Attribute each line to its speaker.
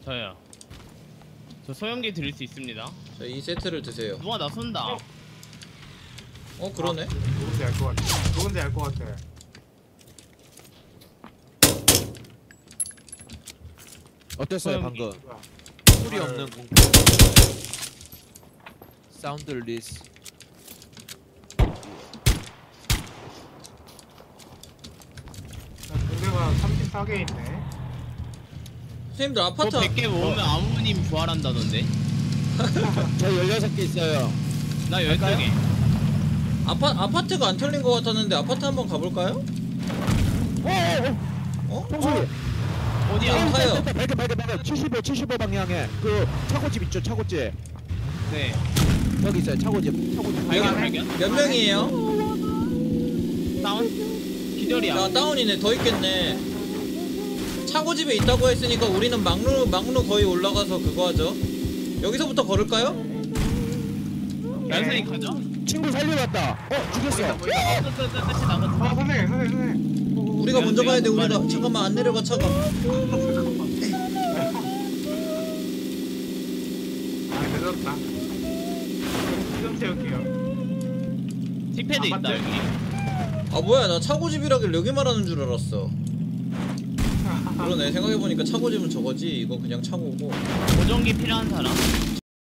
Speaker 1: 저요. 저 소형기 드릴 수 있습니다.
Speaker 2: 자, 이 세트를 드세요.
Speaker 1: 누가 나 쏜다.
Speaker 2: 그러네.
Speaker 3: 누군지 알 것 같아. 누군지 알 것 같아.
Speaker 4: 어땠어요 방금?
Speaker 3: 뭐야.
Speaker 4: 소리 없는 공포. 사운드 리스.
Speaker 3: 공대가 34개 있네.
Speaker 2: 선생님들 아파트
Speaker 1: 그거 100개 모으면 아무님 부활한다던데.
Speaker 4: 저 16개 있어요.
Speaker 1: 나 12개.
Speaker 2: 아파트가 안 털린 것 같았는데 아파트 한번 가볼까요?
Speaker 4: 총소리.
Speaker 1: 어디야?
Speaker 2: 타요.
Speaker 4: 발견. 75 방향에 그 차고집 있죠, 차고집.
Speaker 1: 네.
Speaker 4: 여기 있어요, 차고집.
Speaker 1: 발견.
Speaker 2: 몇 명이에요?
Speaker 1: 다운? 기절이야.
Speaker 2: 야, 다운이네. 더 있겠네. 차고집에 있다고 했으니까 우리는 막루 거의 올라가서 그거 하죠. 여기서부터 걸을까요?
Speaker 1: 연선이 가죠?
Speaker 4: 친구 살리러 왔다. 죽였어.
Speaker 1: 끝이 나갔어.
Speaker 3: 선생님.
Speaker 2: 우리가 먼저 가야 돼. 우리가 잠깐만 안 내려가 차가.
Speaker 3: 늦었다. 수정 채울게요.
Speaker 1: 틱패드 있다
Speaker 3: 맞지?
Speaker 1: 여기.
Speaker 2: 아 뭐야, 나 차고집이라길래 여기 말하는 줄 알았어. 그러네. 생각해보니까 차고집은 저거지. 이거 그냥 차고고.
Speaker 1: 보정기 필요한 사람?